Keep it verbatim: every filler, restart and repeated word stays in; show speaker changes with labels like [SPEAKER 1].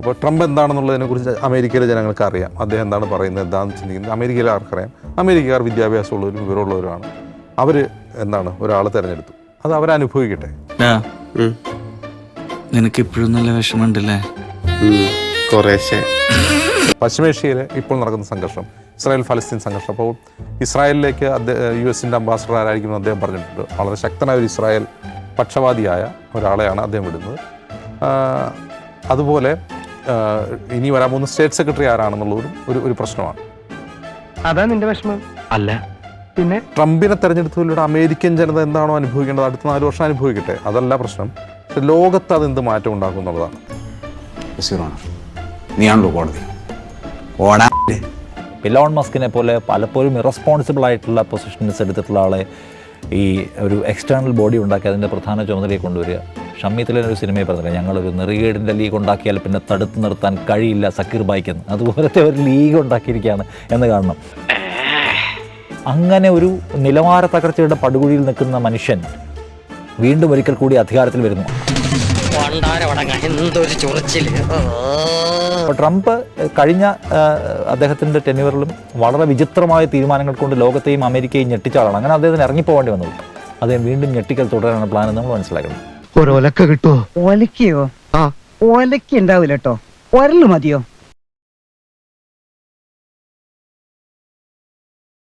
[SPEAKER 1] അപ്പോൾ ട്രംപ് എന്താണെന്നുള്ളതിനെക്കുറിച്ച് അമേരിക്കയിലെ ജനങ്ങൾക്ക് അറിയാം. അദ്ദേഹം എന്താണ് പറയുന്നത്, എന്താണെന്ന് ചിന്തിക്കുന്നത് അമേരിക്കയിലെ ആർക്കറിയാം. അമേരിക്കക്കാർ വിദ്യാഭ്യാസമുള്ളവരും വിവരമുള്ളവരുമാണ്. അവർ എന്താണ് ഒരാൾ തിരഞ്ഞെടുത്തു, അത് അവരനുഭവിക്കട്ടെ.
[SPEAKER 2] നിനക്ക് ഇപ്പോഴും നല്ല വിഷമമുണ്ടല്ലേ?
[SPEAKER 3] കുറേശ്ശെ.
[SPEAKER 1] പശ്ചിമേഷ്യയിൽ ഇപ്പോൾ നടക്കുന്ന സംഘർഷം, ഇസ്രായേൽ ഫലസ്തീൻ സംഘർഷം. അപ്പോൾ ഇസ്രായേലിലേക്ക് അദ്ദേഹം യു എസിൻ്റെ അംബാസഡർ ആരായിരിക്കുമെന്ന് അദ്ദേഹം പറഞ്ഞിട്ടുണ്ട്. വളരെ ശക്തനായ ഒരു ഇസ്രായേൽ പക്ഷപാതിയായ ഒരാളെയാണ് അദ്ദേഹം വിടുന്നത്. അതുപോലെ ഇനി വരാൻ പോകുന്ന സ്റ്റേറ്റ് സെക്രട്ടറി ആരാണെന്നുള്ളതും ഒരു ഒരു പ്രശ്നമാണ്.
[SPEAKER 4] അതാ നിന്റെ വിഷമം അല്ല? പിന്നെ
[SPEAKER 1] ട്രംപിനെ തെരഞ്ഞെടുത്തതിലൂടെ അമേരിക്കൻ ജനത എന്താണോ അനുഭവിക്കേണ്ടത് അടുത്ത നാല് വർഷം അനുഭവിക്കട്ടെ, അതല്ല പ്രശ്നം. പക്ഷെ ലോകത്ത് അത് എന്ത് മാറ്റം ഉണ്ടാക്കും എന്നുള്ളതാണ്.
[SPEAKER 5] നീയാണല്ലോ കോടതി.
[SPEAKER 6] ഇലോൺ മസ്കിനെ പോലെ പലപ്പോഴും ഇറസ്പോൺസിബിൾ ആയിട്ടുള്ള പൊസിഷൻസ് എടുത്തിട്ടുള്ള ആളെ ഈ ഒരു എക്സ്റ്റേണൽ ബോഡി ഉണ്ടാക്കി അതിൻ്റെ പ്രധാന ചുമതലയെ കൊണ്ടുവരിക. ഷമ്മീത്തിലെ ഒരു സിനിമയെ പറഞ്ഞില്ല, ഞങ്ങളൊരു നെറികേടിൻ്റെ ലീഗ് ഉണ്ടാക്കിയാൽ പിന്നെ തടുത്തു നിർത്താൻ കഴിയില്ല സക്കീർ ബായിക്കെന്ന്. അതുപോലത്തെ ഒരു ലീഗ് ഉണ്ടാക്കിയിരിക്കുകയാണ് എന്ന് കാണണം. അങ്ങനെ ഒരു നിലവാര തകർച്ചയുടെ പടുകുഴിയിൽ നിൽക്കുന്ന മനുഷ്യൻ വീണ്ടും ഒരിക്കൽ കൂടി അധികാരത്തിൽ വരുന്നു. അപ്പോൾ ട്രംപ് കഴിഞ്ഞ അദ്ദേഹത്തിൻ്റെ ടെന്യൂറിലും വളരെ വിചിത്രമായ തീരുമാനങ്ങൾ കൊണ്ട് ലോകത്തെയും അമേരിക്കയും ഞെട്ടിച്ച ആളാണ്. അങ്ങനെ അദ്ദേഹത്തിന് ഇറങ്ങിപ്പോകേണ്ടി വന്നത്. അദ്ദേഹം വീണ്ടും ഞെട്ടിക്കൽ തുടരാനാണ് പ്ലാൻ എന്ന് നമ്മൾ മനസ്സിലാക്കണം.
[SPEAKER 4] ഒലക്ക കിട്ടുമോ? ഒലക്കയോ? ആ ഒലക്ക ഉണ്ടാവില്ല കേട്ടോ, ഒരല് മതിയോ?